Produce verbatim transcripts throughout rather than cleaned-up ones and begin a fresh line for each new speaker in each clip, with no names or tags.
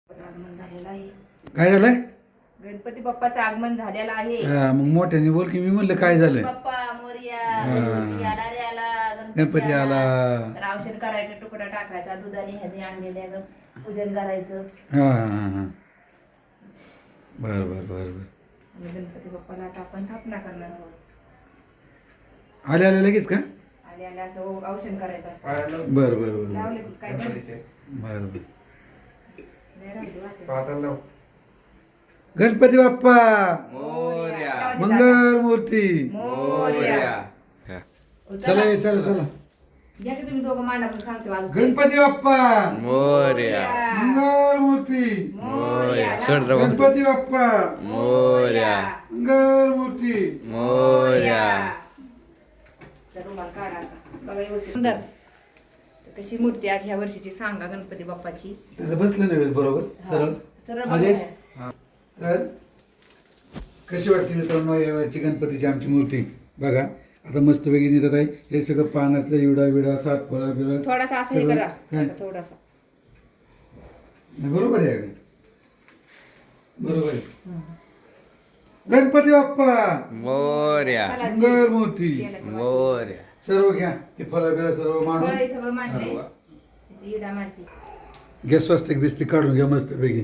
आगमन झालेलं आहे.
काय झालंय?
गणपती बाप्पाचं आगमन झालेलं आहे.
हा, मग मोठ्याने बोल की. मी म्हणलं काय झालंय?
बाप्पा मोरया,
हा.
गणपती आला रे आला,
गणपती आला.
तर औषध करायचं, तुकडा टाकायचा, दुधाने ह्याने आणलेल्या पूजन करायचं.
हा हा हा बर बर बर बर.
आणि गणपती बाप्पाला आता आपण स्थापना करणार आहोत.
आले आले लगेच का?
आले आले असं औषध करायचं असतं.
बर बर बर
लावले की काय करायचं?
बर बर.
नाही राहिली वाटत.
गणपती बाप्पा
मोरया.
मंगल मूर्ती
मोरया.
चला ये, चला चला.
या की तुम्ही दोघं मांडा पण सांगते मला.
गणपती बाप्पा
मोरया.
मंगल मूर्ती
मोरया.
सोड रे बाबा.
गणपती बाप्पा
मोरया.
मंगल मूर्ती
मोरया.
तर रुमाल काढा आता. बघा एवढी सुंदर. तर कशी मूर्ती आज ह्या वर्षीची सांगा गणपती बाप्पाची.
त्याला बसलं नाही बरोबर सरळ
सरळ
आदेश.
बघा.
हा. तर कशी वाटते मित्रांनो याची गणपतीची आमची मूर्ती बघा. आता मस्त वेगळी निघत आहे. हे सगळं पानाचं इवडा विडा सात फळं बिळं
थोडासा असं हे
सगळं
करा.
काय?
असं थोडासा.
नाही, बरोबर आहे का? बरोबर आहे. गणपती बाप्पा
मोरया.
चला,
मंगल मूर्ती
केलं की
मोरया.
सर्व घ्या ते फळं बिळं सर्व
फळं
मांडून
हे सगळं मांडलंय. इथे इडा मारती.
घ्या स्वस्तिक बिस्तिक काढून घ्या मस्त पैकी.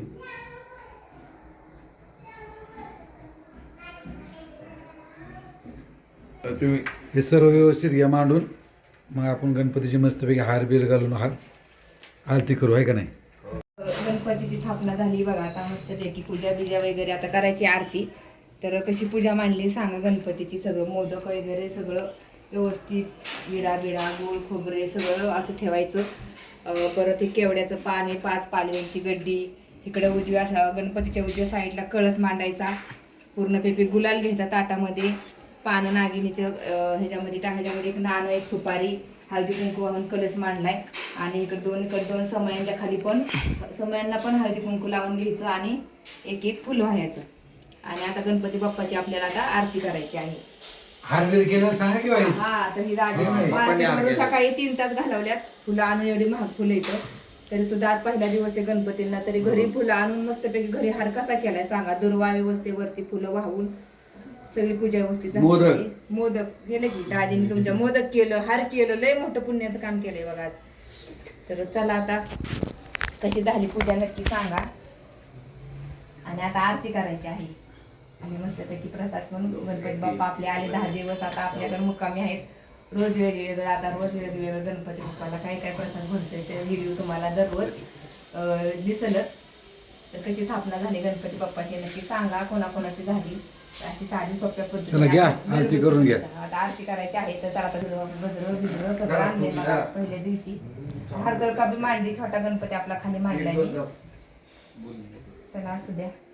हे सर्व व्यवस्थित घ्या मांडून. मग आपण गणपतीची मस्तपैकी हार बिर घालून हार आरती करू आहे का नाही?
गणपतीची स्थापना झाली बघा. आता मस्तपैकी पूजा बिजा वगैरे आता करायची आरती. तर कशी पूजा मांडली सांगा गणपतीची. सगळं मोदक वगैरे सगळं व्यवस्थित विडा बिडा गोळ खोबरे सगळं असं ठेवायचं. अं, परत हे केवड्याचं पान आहे, पाच पालव्यांची गड्डी. इकडे उजव्या सा- गणपतीच्या उजव्या साईडला कळस मांडायचा. पूर्ण पेपी गुलाल घ्यायचा ताटामध्ये. पानं नागिनीचं अं, ह्याच्यामध्ये टा ह्याच्यामध्ये एक नाणं एक सुपारी हळदी कुंकू वाहून कलश मांडलाय. आणि इकडे दोन इकडे दोन समयांच्या खाली पण समयांना पण हळदी कुंकू लावून घ्यायचं आणि एक एक फुल व्हायचं. आणि आता गणपती बाप्पाची आपल्याला आता आरती करायची आहे.
हार बिर केलं सांगा की बाई.
हा तर ही राजी
हा,
मार्केटमधून सकाळी तीन तास घालवल्यात. फुलं आणून एवढी महाग फुलं येतं तरी सुद्धा आज पहिला दिवस आहे गणपतींना. तरी घरी फुलं आणून मस्तपैकी घरी हार कसा केलाय सांगा. दुर्वा व्यवस्थेवरती फुलं वाहून सगळी पूजा व्यवस्थित झाली.
मोदक.
मोदक केलं की दाजीने तुमच्या मोदक केलं हार केलं. लय मोठं पुण्याचं काम केलंय बघा आज. तर चला आता कशी झाली पूजा नक्की सांगा. आणि आता आरती करायची आहे. आणि मस्तपैकी प्रसाद म्हणून गणपती बाप्पा आपले आले दहा दिवस आता आपल्याकडे मुक्कामी आहेत. रोज वेगवेगळं आता रोज वेगवेगळं गणपती बाप्पाला काय काय प्रसाद भरतोय ते व्हिडिओ तुम्हाला दररोज अं, दिसेलच. तर कशी स्थापना झाली गणपती बाप्पाची नक्की सांगा. कोणाकोणाची झाली अशी साधी सोप्या
चला
पद्धतीने
घ्या,
आता
आरती करून घ्या.
आता आरती करायची आहे. तर चला आता गजरं बिजरं सगळं आणले मला आज पहिल्या दिवशी. हरदर का बी मांडली. छोटा गणपती आपला खाली मांडलाय मी. चला असू द्या.